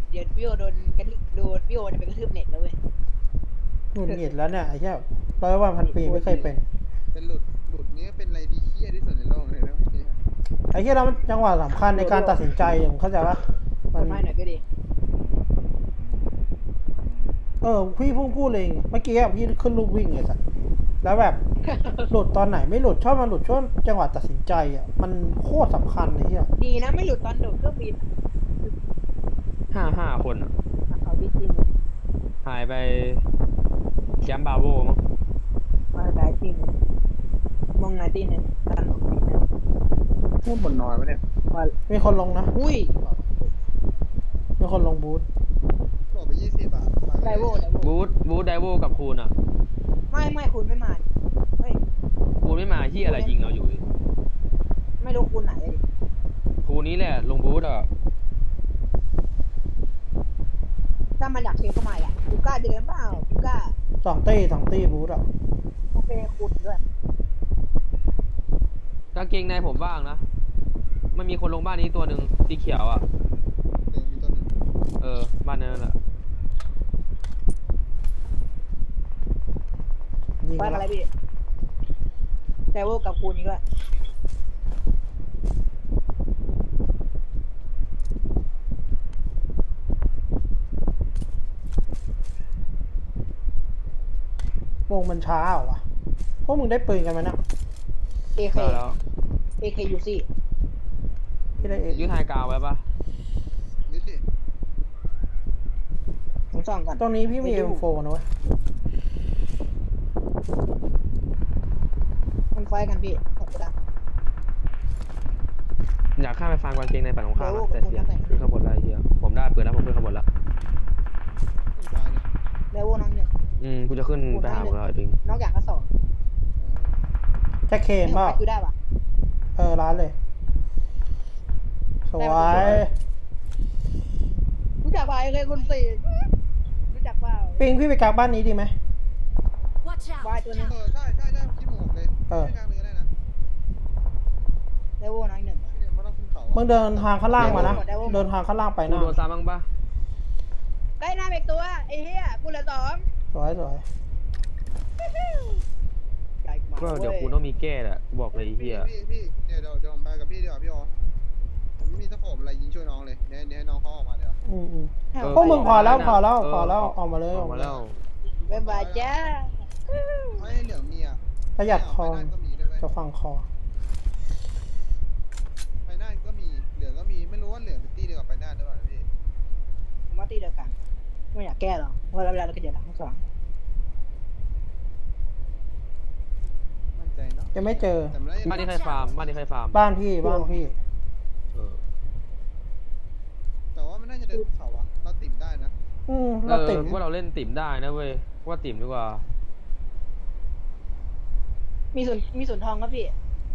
เดี๋ยวพี่โอโดนกระทืบโดนพี่โอจะไปกระทืบเน็ตแล้วเว้ยหงุดหงิดแล้วเนี่ยไอ้เหี้ย100 วัน 1,000 ปีไม่เคยเป็นเป็นหลุดเงี้ยเป็นอะไรที่เฮี้ยที่สุดในโลกเลยนะพี่ไอ้เหี้ยแล้วมันจังหวะสำคัญในการตัดสินใจอย่างเข้าใจปะกดไม้หน่อยก็ดีพี่เพิ่งพูดเลยเมื่อกี้พี่ขึ้นลูกวิ่งเลยสัสแล้วแบบ หลุดตอนไหนไม่หลุดชอบมาหลุดช่วงจังหวะตัดสินใจอ่ะมันโคตรสำคัญเลยเหี้ยดีนะไม่หลุดตอนโดดเครื่องบิน 5 คนอ่ะเขาบินจริงหายไปแชมป์บาโวมั้งมาได้จริงมองไงตีเนี่ยตันพูดบนนอนวะเนี่ยว่ามีคนลงนะอุ้ยมีคนลงบูธบอกไป20 บาทไดโวไดโวบูธไดโวกับคูนอ่ะไม่คุณไม่มาดิไม่คูนไม่มาที่อะไรยิงเราอยู่ไม่รู้คุณไหนดิคูนนี้แหละลงบูธอ่ะถ้ามันอยากเชฟก็มาอ่ะกูกล้าเดินเปล่ากูกล้า 2 ตี้บูธอ่ะโอเคคุณด้วยกางเกงในผมว่างนะมันมีคนลงบ้านนี้ตัวหนึ่งสีเขียวอ่ะมีตัวหนึงบ้านนั้นแหละยิงบ้านมาอะไรแล้วพี่ไดโวกับคุณนี่ก็วงมันช้าเหรอวะพวกมึงได้ปืนกันไหมนะเอเคได้แล้วเอเคยูซี่พี่ได้เอยืดไฮกราวไว้ปะนิดดิผมส่องก่อนตรงนี้พี่มี M4 นะเว้ยมันไฟกันพี่ขอบคุณดังอยากข้ามไปฟังกางเกงในฝั่งของข้ามนะแต่เสียงขึ้นขางบวนอะไรเหี้ยผมได้ปืนแล้วผมขึ้นขางบวนแล้วขึ้นซ้ายเนี่ยไดโวน้องหนึ่งกูจะขึ้นไปหามึงแล้วไอ้ปิงนอกจากก็สองแจ็คเคนเปล่าคือได้ปะร้านเลย สวยรู้จักป่ะเคยคนสี่รู้จักเปล่าปิงพี่ไปกลางบ้านนี้ดีไหม Watch วาย out! ตัวนึงใช่คิดหมวกเลยไม่กลางเลยก็ได้นะไดโวน้อยหนึ่งไม่ต้องขึ้นเขามึงเดินทางข้างล่างมานะ เดินทางข้างล่างไปกูนะโดนซ้ำบ้างปะใกล้หน้าเบกตัวไอ้เหี้ยกูเหลือสองสวยใหญ่มาก็เดี๋ยวกูต้องมีแก้แหละกูบอกเลยไอ้เหี้ยพี่เดี๋ยวผมไปกับพี่เดี๋ยวพี่อ๋อผมไม่มีสโคปอะไรยิงช่วยน้องเลยเดี๋ยวให้น้องเขาออกมาเดี๋ยวพวกมึงพอแล้วออกมาเลยออกมาแล้วบ๊ายบายจ้าไอ้เหลืองมีอ่ะประหยัดคอไปนั่นก็มีด้วยจะฟังคอไปนั่นก็มีเหลืองก็มีไม่รู้ว่าเหลืองเป็นตี้เดียวกับไปนั่นหรือเปล่าพี่ผมว่าตีเดียวกันไม่อยากแก้หรอกว่าเวลาเราก็เจอหลังทั้งสองมั่นใจเนาะยังไม่เจอแต่ไม่ได้บ้านนี้ใครฟาร์มบ้านพี่เออแต่ว่ามันน่าจะเดินเขาอะเราติ่มได้นะเราติดว่าเราเล่นติ่มได้นะเว้ยว่าติ่มดีกว่ามีส่วนทองครับพี่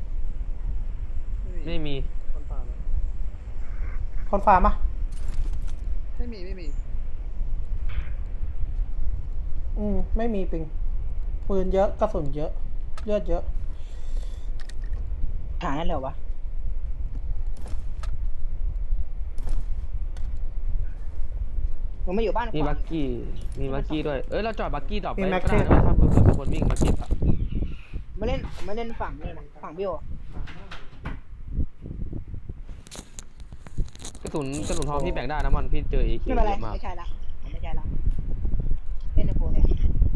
ไม่มีคนป่าเลยคนฟาร์มปะไม่มีไม่มีปิง ปืนเยอะกระสุนเยอะ เลือดเยอะหานั่นเหรอวะผมไม่อยู่บ้านมีขวาบักกี้ด้วย เราจอดบักกี้ดรอปมีไว้แม็กก็ได้เทปนะถ้าเผื่อมีคนวิ่งมาเก็บอะมาเล่นฝั่งนี่นะฝั่งพี่โอกระสุนทองพี่แบ่งได้นะมันพี่เจอเอเคไม่เป็นไรเยอะมากไม่ใช่ละผมไม่ใช่ละเล่นในโปรแทน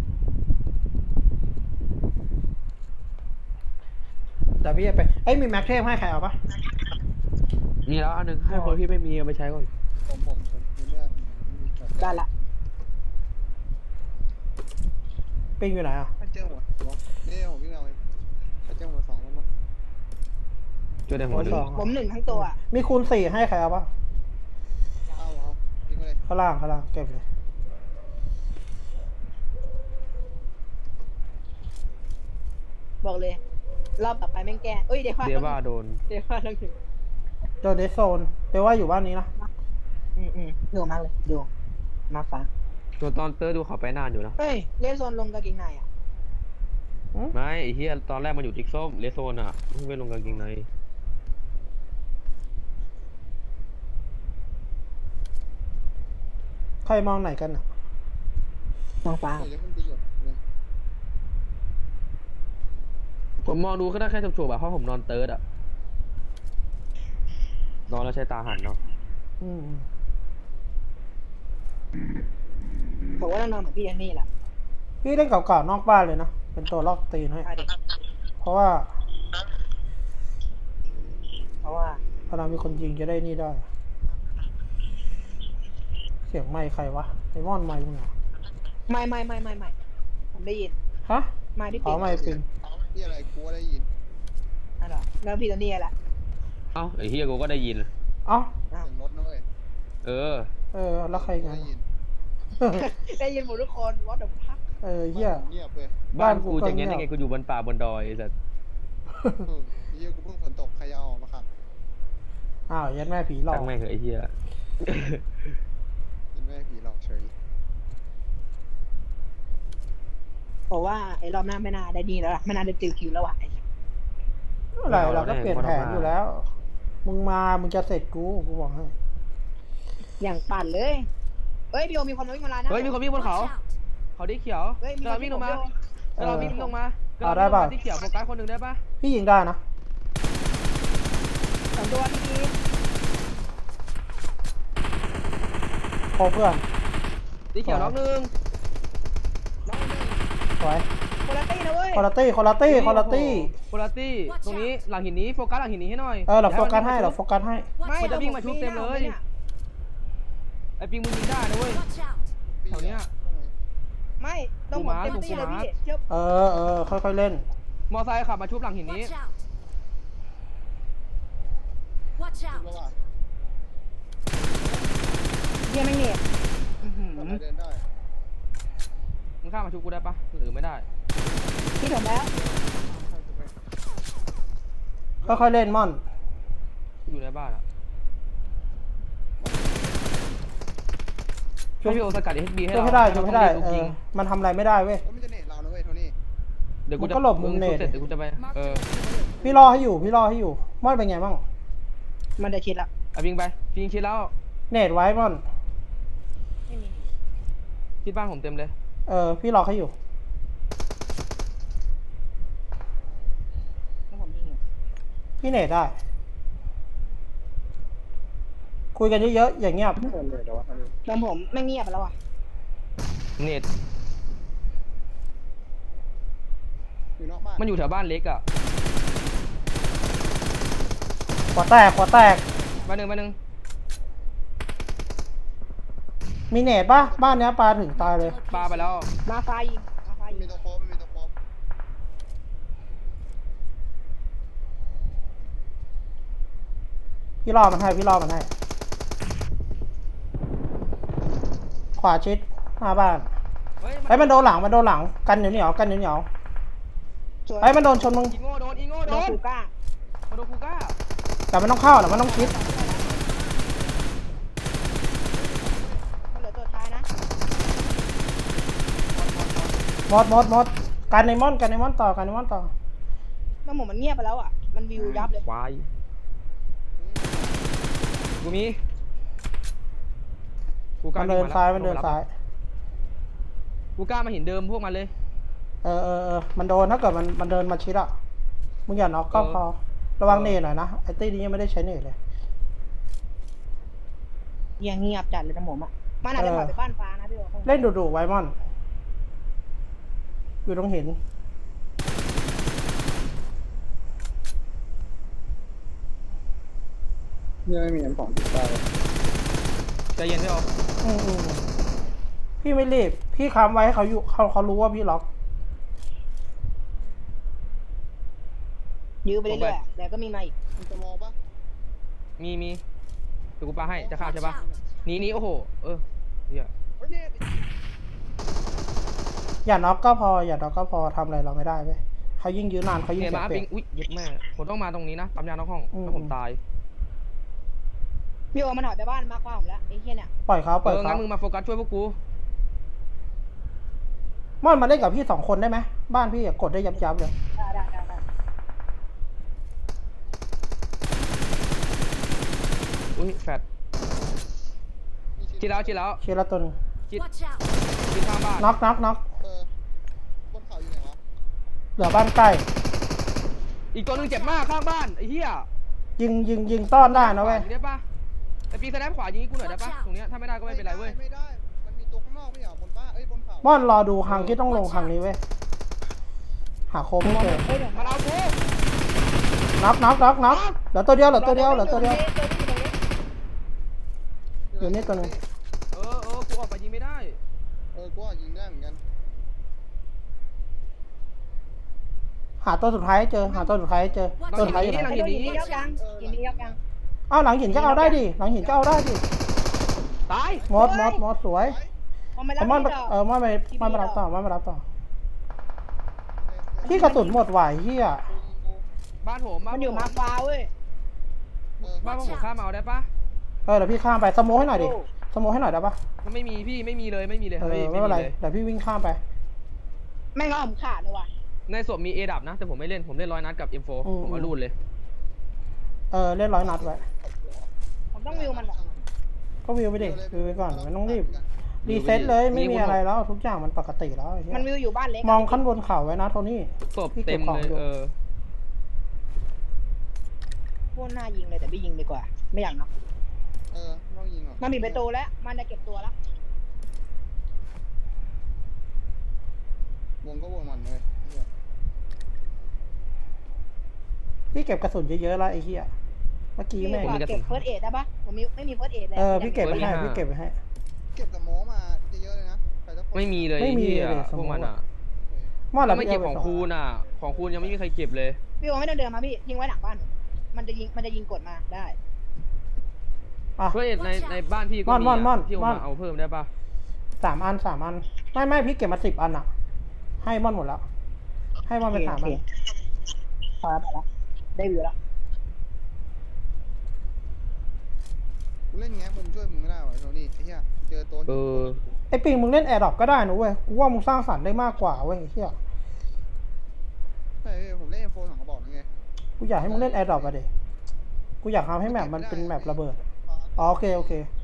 แต่พี่จะไปมีแม็กเทปให้ใครเอาปะมีแล้วอันหนึงให้คนที่ไม่มีเอาไปใช้ก่อนผมมีเรื่องได้ละปิงอยู่ไหนอ่ะถ้าเจอหัวนี่ผมวิ่งเอาเองถ้าเจอหัว2แล้วมั้งช่วยได้หัวหนึ่งผมหนึ่งทั้งตัวมีคูณ 4ให้ใครเอาปะเอาทิ้งไปเลยข้างล่างเก็บเลยบอกเลย รอบต่อไปแม่งแก้เอ้ยเดี๋ยวว่าเดียว่าโดนต้องถึงโดนเดซโซนเดี๋ยวว่าอยู่บ้านนี้นะดูมากเลยดูมาฟ้าตัวตอนเตอร์ดูเขาไปนานอยู่นะเฮ้ยเลนโซนลงกางเกงในอ่ะไม่ไอ้เหี้ยตอนแรกมันอยู่ติ๊กส้มเลสโซนอ่ะเพิ่งไปลงกางเกงในเรมองไหนกันอ่ะมองฟ้าเดี๋ยวจะขึ้นติ๊กอยู่เนี่ยผมมองดูก็ได้แค่ฉุบๆอะเพราะผมนอนเติร์ดอะนอนแล้วใช้ตาหันเนาะอืมบอกว่าต้องนอนเหมือนพี่อันนี่แหละพี่เล่นเก่าๆนอกบ้านเลยนะเป็นตัวลอกตีนให้เอาดิเพราะว่าเพราะว่าเวลามีคนยิงจะได้นี่ได้ เสียงไมค์ใครวะไอมอนไมค์มึงเหรอไม่ผมได้ยินฮะไม่พี่อ๋อปิ๊กไมค์ปิงนี่อะไรกูได้ยินนั่นเหรอแล้วพี่ตัวนี้แหละเอ้าไอ้เฮียกูก็ได้ยินเอ้าอ้าวเสียงรถนะเว้ยเออแล้วใครกูกันได้ยินได้ยินหมดทุกคนวอตเดอะพักเหี้ยเงียบเว้ยบ้านบ้านกูกูก็จะเงี้ยเงียบได้ไงกูอยู่บนป่าบนดอยไอ้สัสเฮียกูเพิ่งฝนตกใครจะเอาออกมาขับอ้าวยัดแม่ผีหลอกตั้งแม่งเหอะไอ้เฮียยินแม่ผีหลอกเฉยบอกว่าไอ้รอบหน้าไม่น่าได้ดีแล้วล่ะไม่น่าได้ติวคิวแล้วว่ะอะไรเราก็เปลี่ยนแผนอยู่แล้ว มึงมามึงจะเสร็จกูบอกให้อย่างปั่นเลยเฮ้ยพี่โอมีคนมาวิ่งมาลานนะเฮ้ยมีคนวิ่งบนเขา Watch out! เขาได้เขียวเฮ้ยมีกำลังวิ่งลงมาเออกำลังวิ่งลงมาเอาได้ป่ะที่เขียวโฟกัสคนหนึ่งได้ปะพี่ยิงได้นะสองตัวพี่กีโคเพื่อนที่เขียวน้องหนึ่งน้องหนึ่งสวยคนละตี้นะเว้ยคอร์ตี้คอร์ตี้คอร์ตี้โคลาตี้ตรงนี้หลังหินนี้โฟกัสหลังหินนี้ให้หน่อยเราโฟกัสให้เราโฟกัสให้ไม่มันจะวิ่งมาชุบเต็มเลยนี่ไอ้ปิงมึงยิงได้นะเว้ย Watch out! พี่แถวเนี้ยไม่ต้องผมเต็มที่เลยพี่เชื่อค่อยๆเล่นมอไซค์ขับมาชุบหลังหินนี้ Watch out! Watch คิด out! ว่าว่าเยี่ยไม่เหน็บทำไมเดินได้มึงข้ามมาชุบกูได้ปะหรือไม่ได้พี่ถมแล้วค่อยๆเล่นม่อนอยู่ในบ้านอะช่วยให้พี่โอสกัด HB ให้ช่วยเราให้ได้ช่วยให้ได้ลูกยิงมันทำอะไรไม่ได้เว้ยมันจะเน็ตเรานะเว้ยโทนี่เดี๋ยวกูมันจะก็หลบมุมเนตเสร็จเดี๋ยวกูจะไป Mark เอ the อ location. พี่รอให้อยู่ม่อนเป็นไงบ้างมันจะชิดละเอาปิงไปปิงชิดแล้วเนตไว้ม่อนไม่มีชิดบ้านผมเต็มเลยพี่รอให้อยู่แล้วผมยิงอยู่พี่เนตได้ คุยกันเยอะๆอย่างเงียบเดินเลยเดี๋ยววะอันนี้แล้วผมไม่เงียบแล้วอ่ะเน็ตอยู่นอกบ้านมันอยู่แถวบ้านเล็กอะขวาแตกบ้านหนึ่งมีเนตป่ะบ้านเนี้ยปลาถึงตายเลยปาไปแล้วมาไฟยิงมาไฟมันยิมีงตัวโค้งมันมีตัวโค้งพี่รอมันให้ขวาชิดหน้าบ้านเฮ้ยไอ้มันโดนหลังกันเหนียวกันเหนียวสวยไอ้มันโดนชนมึงอีโง่โดนโดนคูก้ามาโดนคูก้าแต่มันต้องเข้ามันต้องชิดมันเหลือตัวท้ายนะมดกันในมอนต่อแล้วผมมันเงียบไปแล้วอ่ะมันวิวยับเลยควายกูมีกูกล้ามันเดินซ้ายกูกล้ามาหินเดิมพวกมันเลยมันโดนถ้าเกิดมันเดินมาชิดอ่ะมึงอย่าน็อกก็พอระวังเนตหน่อยนะไอ้ตี้นี้ยังไม่ได้ใช้เนตเลยเงียบจัดเลยนะผมอ่ะมันอาจจะถอยไปบ้านฟ้านะพี่โอเล่นดุๆไว้มอน อยู่ตรงหินเนี่ยไม่มีอันของติดได้ใจเย็นพี่โอพี่ไม่รีบพี่ค้ำไว้ให้เขาอยู่เขารู้ว่าพี่ล็อกยื้อไปเรื่อยๆแต่ก็มีมาอีกมันจะมองปะมีเดี๋ยวกูปาให้จะข้าม Watch ใช่ปะ out! หนีโอ้โหเฮียเฮ้ยเนี่ยอย่าน็อกก็พอทำอะไรเราไม่ได้เว้ยเขายิ่งยื้อนานเขายิ่งเนี่ยเสียมาเปรีปิยงบอุ้ยเย็ดแม่ผมต้องมาตรงนี้นะปั๊มยาน้องห้องแล้วผมตายพี่โอมันถอยไปบ้านมากกว่าผมแล้วไอ้เหี้ยเนี่ยปล่อยเขางั้นมึงมาโฟกัสช่วยพวกกูม่อนมาเล่นกับพี่2 คนได้ไหมบ้านพี่กดได้ยับเลยได้อุ้ยแฟดมีชิ้นชิดแล้วเชียร์ละตัวหนึงชิด Watch out! ชิดข้างบ้านน็อกบนเขาอยู่ไหนวะเหลือบ้านใกล้อีกตัวหนึงเจ็บมากข้างบ้านไอ้เหี้ยยิงต้อนได้นะเว้ยขวายิงได้ปะไอ้ปีสแนปขวายิงให้กูหน่อยได้ปะตรงเนี้ยถ้าไม่ได้ก็ไม่เป็นไรเว้ยไม่ได้มันมีตัวข้างนอกไม่เหรอบนบ้านบนเขาม่อนรอดูทางที่ต้องลงทางนี้เว้ยหาโคมไม่เจอเฮ้ยเดี๋ยวมาเอากูน็อกเหลือตัวเดียวอยู่นี่ตัวหนึงกูออกไปยิงไม่ได้กูยิงได้เหมือนกันหาตัวสุดท้ายให้เจอตัวสุดท้ายอยู่ไหนไอ้ตัวหินนี่ยกยังหินนี่ยกยังอ้าวหลังหินก็เอาได้ดิหลังหินก็เอาได้ดิตายมดสวยผมไม่รัไอ้บม่อนพี่ดอกม่อนมารับต่อที่กระสุนหมดไหวเฮียบ้านผมบ้านมันอยู่มาฟ้าเว้ยบ้านผมข้ามเอาได้ปะเดี๋ยวพี่ข้ามไปสโมให้หน่อยดิสโมให้หน่อยได้ปะมันไม่มีพี่ไม่มีเลยไม่เป็นไรเดี๋ยวพี่วิ่งข้ามไปแม่งเอาผมขาดเลยว่ะในศพมีเอดับนะแต่ผมไม่เล่นผมเล่น100 นัดกับ M4 ผมเอารูดเลยเล่น100 นัดไว้ผมต้องวิวมันแบบก็วิวไปดิวิวไปก่อนไม่ต้องรีบรีเซ็ตเลยไม่มีอะไรแล้วทุกอย่างมันปกติแล้วไอ้เหี้ยมันวิวอยู่บ้านเล็กมองขั้นบนเขาไว้นะโทนี่ศพเต็มเลยโคตรน่ายิงเลยแต่ไม่ยิงดีกว่า ไม่อยากเนาะต้องยิงหรอมันมีประตูแล้วมันจะเก็บตัวแล้ววงก็วงมันเลยพี่เก็บกระสุนเยอะๆแล้วไอ้เหี้ยเมื่อกี้พี่แม่งกว่าเก็บเฟิร์สเอดได้ปะผมไม่มีเฟิร์สเอดเลยพี่เก็บไว้ให้พี่เก็บไว้ให้เก็บสโมมาเยอะเลยนะไม่มีเลยพวกมันอ่ะมอดแล้วไม่เก็บของคูณอ่ะของคูณยังไม่มีใครเก็บเลยพี่โอไม่ต้องเดินมาพี่ทิ้งไว้หลังบ้านมันจะยิงกดมาได้เพื่อในบ้านพี่ก็มีพี่มาเอาเพิ่มได้ปะ 3 อันไม่พี่เก็บมา10 อันอ่ะให้ม่อนหมดแล้วให้ม่อนไป3 อันพอแล้วได้วิวแล้วกูเล่นแง้มุมช่วยมึงไม่ได้หรอโทนี่ไอ้เหี้ยเจอตัวไอ้ปิงมึงเล่นแอร์ดรอปก็ได้นะเว้ยกูว่ามึงสร้างสรรค์ได้มากกว่าเว้ยไอ้เหี้ยใช่ผมเล่นโฟนของเขาบอกไงกูอยากให้มึงเล่นแอร์ดรอปอะดิกูอยากทำให้แมปมันเป็นแมประเบิดโอเค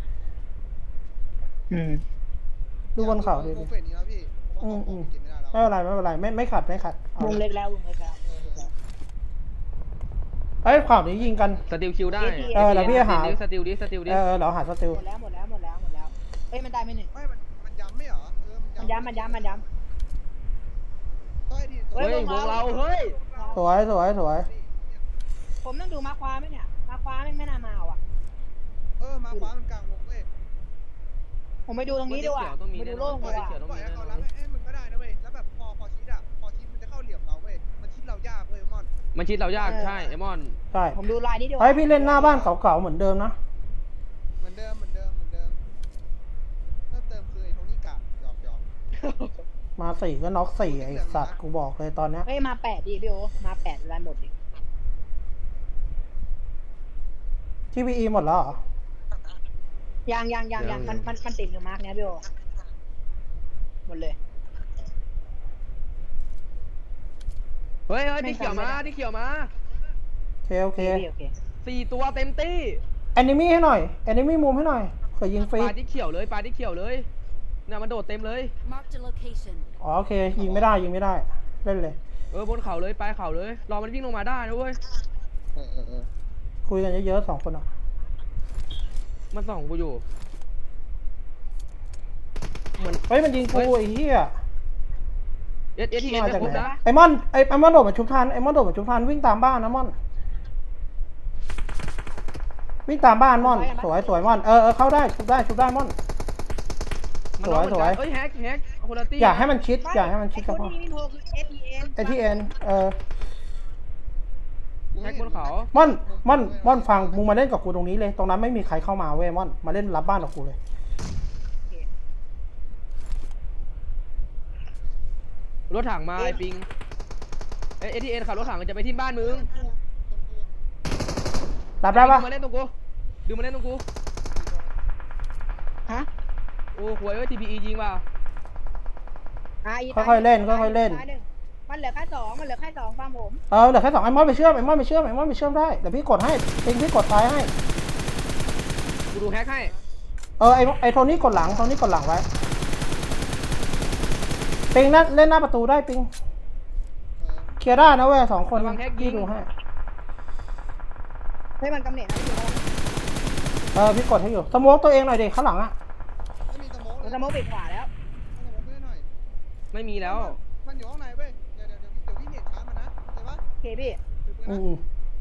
ดูบนเขาดิกูเฟดนี้แล้วพี่เก็บไม่ได้แล้วไม่เป็นไรไม่ขัดเอาวงเล็กแล้ววงเล็กแล้วเอ้ยข่าวนี้ยิงกันสติลคิวได้แล้วพี่หาสติลดิเราหาสติลหมดแล้วเอ้ยมันได้ไม่หนึ่งไม่มันย้ำไม่เหรอมันย้ำต้อยดิเฮ้ยวงเราเฮ้ยสวยผมต้องดูมาคว้าไหมเนี่ยมาคว้าไม่น่ามาว่ะมาฟ้ามันกลางวงเว้ยผมไปดูตรงนี้ดีกว่าไปดูโล่งดีกว่าปล่อยให้เขารับมึงก็ได้นะเว้ยแล้วแบบพอชิดมันจะเข้าเหลี่ยมเราเว้ยมันชิดเรายากเว้ยมอนมันชิดเรายากใช่ไอมอนใช่ผมดูลายนี้ดีกว่าเฮ้ยพี่เล่นหน้าบ้านเก่าๆเหมือนเดิมนะเหมือนเดิมเพิ่มเติมคือไอ้โทนี่กะหยอกมา4ก็น็อก4ไอ้สัตว์กูบอกเลยตอนเนี้ยเฮ้ยมา8ดิพี่โอมา8ลายหมดดิที่พีหมดแล้วเหรอยังมันติดอยู่มาร์กเนี้ยพี่โอหมดเลยเฮ้ยที่เขียวมาโอเค 4 ตัวเต็มตี้แอนิมี่ให้หน่อยแอนิมี่มุมให้หน่อยเผื่อยิงฟรีปลาที่เขียวเลยเนี่ยมันโดดเต็มเลย Marked a location. โอเคยิงไม่ได้เล่นเลยบนเขาเลยปลายเขาเลยรอมันวิ่งลงมาได้นะเว้ยคุยกันเยอะๆ2 คนอ่ะมันส่องกูอยู่เฮ้ยมันยิงกูไอ้เหี้ยเอสทีเอ็นมาไม่จากครบไหนนะไอ้มอนโดดมาชุบทันวิ่งตามบ้านนะม่อนวิ่งตามบ้านม่อนสวยม่อนเข้าได้ชุบได้ม่อนสวยเฮ้ยแฮกคุณตี้อยากให้มันชิดกับพ่อนี่โทรคือ SEN ไอ้ที่เอ็นแฮกบนเขาม่อนฟังมึงมาเล่นกับกูตรงนี้เลยตรงนั้นไม่มีใครเข้ามาเว้ยม่อนมาเล่นรับบ้านกับกูเลยรถถังมาไอ้ปิงเอทีเอ็นขับรถถังจะไปที่บ้านมึงรับได้ปะมาเล่นตรงกูดูมาเล่นตรงกูฮะโอ้หวยทีพียิงเปล่าค่อยๆเล่นมันเหลือแค่2ฟังผมเหลือแค่2ไอ้ม่อนไปเชื่อมได้เดี๋ยวพี่กดให้พี่กดท้ายให้กูดูแฮกให้ไอ้โทนี่กดหลังไว้ปิงเล่นหน้าประตูได้ปิงเออเคลียร์ได้นะเว้ยสองคนระวังแฮกยิงพี่ดูให้ให้มันกำเนิดนะพี่พี่กดให้อยู่สโมกตัวเองหน่อยดิข้างหลังอะไม่มีสโมกเลมันยจะมองปิดขวาแล้วสโมกเพื่อนหน่อยไม่มีแล้วมันอยู่ข้างในเว้ยเดี๋ยวพี่เน็ตช้ามันนะเห็นปะโอเคพี่ถือปืนอืนะม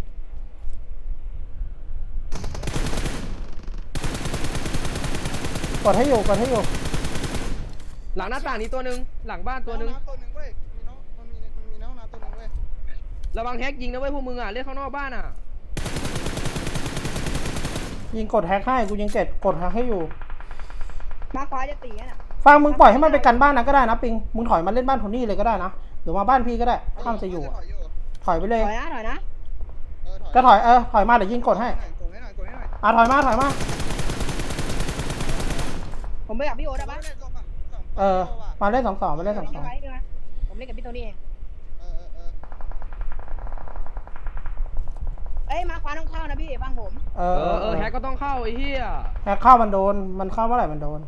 กดให้อยู่หลังหน้าต่างนี้ตัวหนึ่งหลังบ้านตัวหนึ่งน้ำตัวหนึ่งเว้ยมีน้องมันมีน้องน้ำตัวหนึ่งเว้ยระวังแฮกยิงนะเว้ยพวกมึงอ่ะเล่นข้างนอกบ้านอ่ะยิงกดแฮกให้กูยิงกดแฮกให้อยู่มาขวาจะตีน่ะฟังมึงปล่อยให้มันไปกันบ้านนะก็ได้นะปิงมึงถอยมาเล่นบ้านโทนี่เลยก็ได้นะหรือมาบ้านพี่ก็ได้ถ้ามันจะอยู่อะถอยอยู่ถอยไปเลยถอยนะก็ถอยมาเดี๋ยวยิงกดให้กดให้หน่อยถอยมาผมไปกับพี่โอ๊ตได้ปะมาเล่น2-2มาเล่นผม 2-2 ไว้ด้วยนะผมเล่นกับพี่โทนี่เองเออเอ้ยมาขวาต้องเข้านะพี่บ้างผมแฮกก็ต้องเข้าไอ้เหี้ยแฮกเข้ามันเข้าเมื่อไหร่มันโดน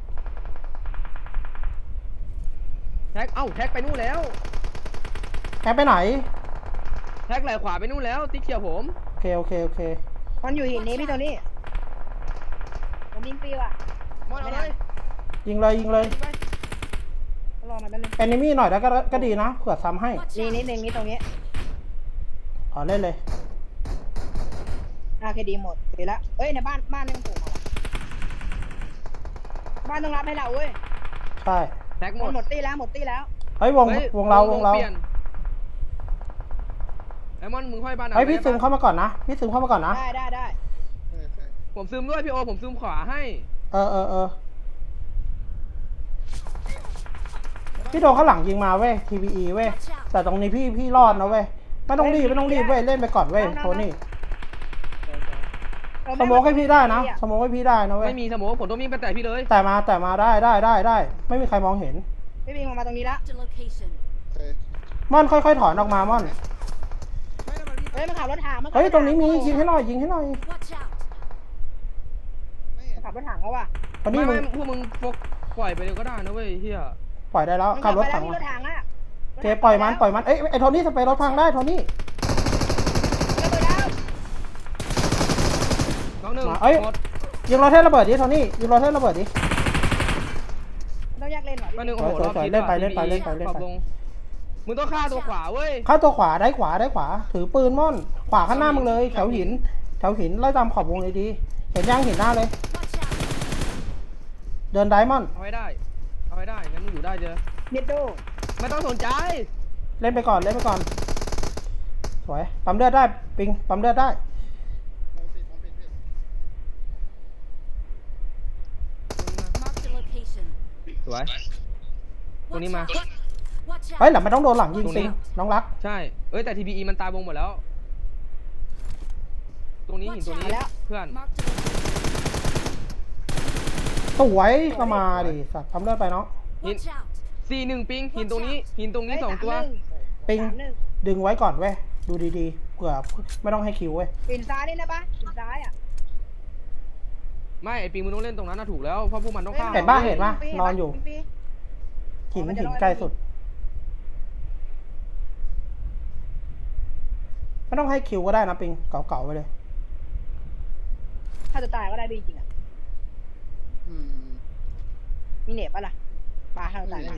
แฮกแฮกไปนู่นแล้วแฮกไปไหนแฮกไหลขวาไปนู่นแล้วติ๊กเขียวผมโอเคมันอยู่หินนี้พี่โทนี่ผมยิงฟรีว่ะมอนเอาเลยยิงเลยรอมันแป๊บนึงแอนิมี่หน่อยแล้วก็ดีนะเผื่อซ้ำให้นี่นิดนึงนี่ตรงนี้เล่นเลยโอเคดีหมดเดี๋ยวละเอ้ยในบ้านนี่มันปลูกมาว่ะบ้านต้องรับให้เราเว้ยใช่แฮกหมดหมดตี้แล้วเฮ้ยวงฮ้ยวงเราเปลี่ยนไอ้มอนมึงค่อยบ้านเฮ้ยพี่ซึมเข้ามาก่อนนะพี่ซึมเข้ามาก่อนนะได้ผมซึมด้วยพี่โอผมซึมขวาให้เออพี่โดนข้างหลังยิงมาเว้ย TVE เว้ยแต่ตรงนี้พี่รอดนะเว้ยไม่ต้องรีบเว้ยเล่นไปก่อนเว้ยโทนี่สโมกให้พี่ได้นะสโมกให้พี่ได้นะเว้ยไม่มีสโมองผมต้องวิ่งไปแต่พี่เลยแต่มาได้ไม่มีใครมองเห็นพี่บิงมาตรงนี้ละ Marked a location. ม่อนค่อยๆถอนออกมาม่อนเฮ้ยมันขับรถถังเฮ้ยตรงนี้มียิงให้หน่อย Watch out. ขับรถถังเขาว่ะตอนนี้มึไม่งพวกมึงปล่อยไปเลยก็ได้นะเว้ยเฮียปล่อยได้แล้วขับรถถังรถถังอ่ะโอเคปล่อยมันเอ้ยไอ้โทนี่สเปรย์รถพังได้โทนี่ระเบิดแล้วน้องหนึ่งเอ้ยหมดยิงรถเทสระเบิดดิโทนี่ยิงรถเทสระเบิดดิต้องแยกเลนหน่อยน้องหนึ่งโอ้โหสวยๆรอบคิดเล่นไปว่ะเล่นไป PVE เล่นไปปรับลงมึงต้องฆ่าตัวขวาเว้ยเข้าตัวขวาได้ขวาถือปืนม่อนขวาข้างหน้ามึงเลยแถวหินไล่ตามขอบวงเลยดีเห็นย่างเห็นหน้าเลย Watch out. เดินไดมอนด์เอาให้ได้งั้นมึงอยู่ได้เจอเนตโดไม่ต้องสนใจเล่นไปก่อนสวยปั๊มเลือดได้ปิงปั๊มเลือดได้ Marked a location. สวย ตรงนี้มา Watch เฮ้ย out. หลังไม่ต้องโดนหลังยิงตรงนี้ปิงน้องรักใช่เอ้ยแต่ TPE มันตายวงหมดแล้ว ตรงนี้หินตัวนี้เพื่อน Marked a location. สวยก็มาดิสัตว์ปั๊มเลือดไปเนาะ Watch out. 4-1ปิงหินตรงนี้สองตัวปิงดึงไว้ก่อนเว้ยดูดีๆเผื่อไม่ต้องให้คิวเว้ยปิ่นซ้ายนี่นะปะปิ่นซ้ายอ่ะไม่ไอปิงมึงต้องเล่นตรงนั้นน่ะถูกแล้วเพราะพวกมันต้องฆ่าเห็นปะนอนอยู่ หินใกล้สุดไม่ต้องให้คิวก็ได้นะปิงเก่าๆไปเลยถ้าจะตายก็ได้จริงๆอ่ะมีเน็ตปะล่ะปลาถ้าจะตายได้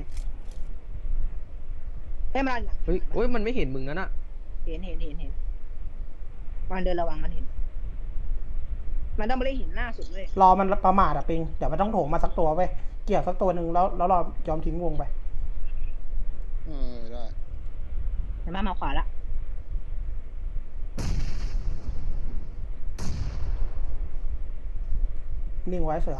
เฮ้ยมันเฮ้ยมันไม่เห็นมึงนั่นน่ะเห็นมันเดินระวังมันเห็นมันต้องไม่ได้เห็นหน้าสุดเลยรอมันประมาทอะปิงเดี๋ยวมันต้องโถงมาสักตัวเว้ยเกี่ยวสักตัวหนึ่งแล้วรอยอมทิ้งวงไปได้เห็นไหมมาขวาละนิ่งไว้เสือ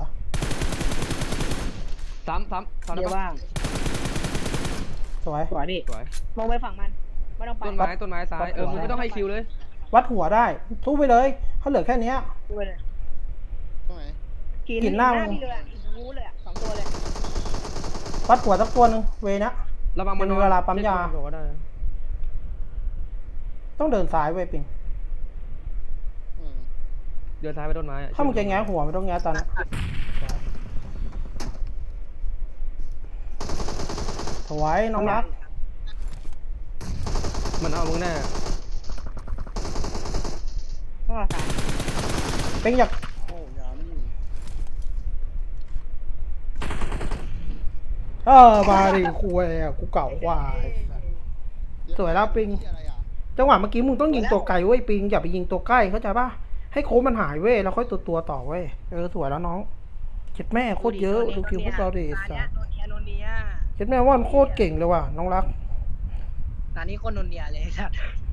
ซ้ำเดี๋ยวได้ปะว่างสวยขวาดิสวยมองไปฝั่งมันไม่ต้องไปต้นไม้ซ้ายมึงไม่ต้องให้คิวเลยวัดหัวได้ทุบไปเลยเขาเหลือแค่เนี้ยดูเลยตรงไหนกินหน้าพี่เลยอ่ะรู้เลยอ่ะ2 ตัวเลยวัดหัวสักตัวหนึ่งเวนะระวังมันเป็นเวลาปั๊มยาบอกว่าได้นะต้องเดินซ้ายเว้ยปิงเดินซ้ายไปต้นไม้อะถ้ามึงจะแง้หัวไม่ต้องแง้ตอนนั้นโถวยน้องรักมันเอามึงแน่ก็สามเป็นอยากโอ้ยาไม่มีมาดิคุยอ่ะกูเก่ากว่าไอ้สัส สวยแล้วปิงอะไรอ่ะจังหวะเมื่อกี้มึงต้องยิงตัวไกลเว้ยปิงอย่าไปยิงตัวใกล้เข้าใจป่ะให้โค้งมันหายเว้ยแล้วค่อยตัวต่อเว้ยสวยแล้วน้องเจ็ดแม่โคตรเยอะดูคิวพวกเราดิไอ้สัสโนเนียโนเนียเจ็ดแม่ว่ามันโคตรเก่งเลยว่ะน้องรักตอนนี้คนโนเนียเลยสัตว์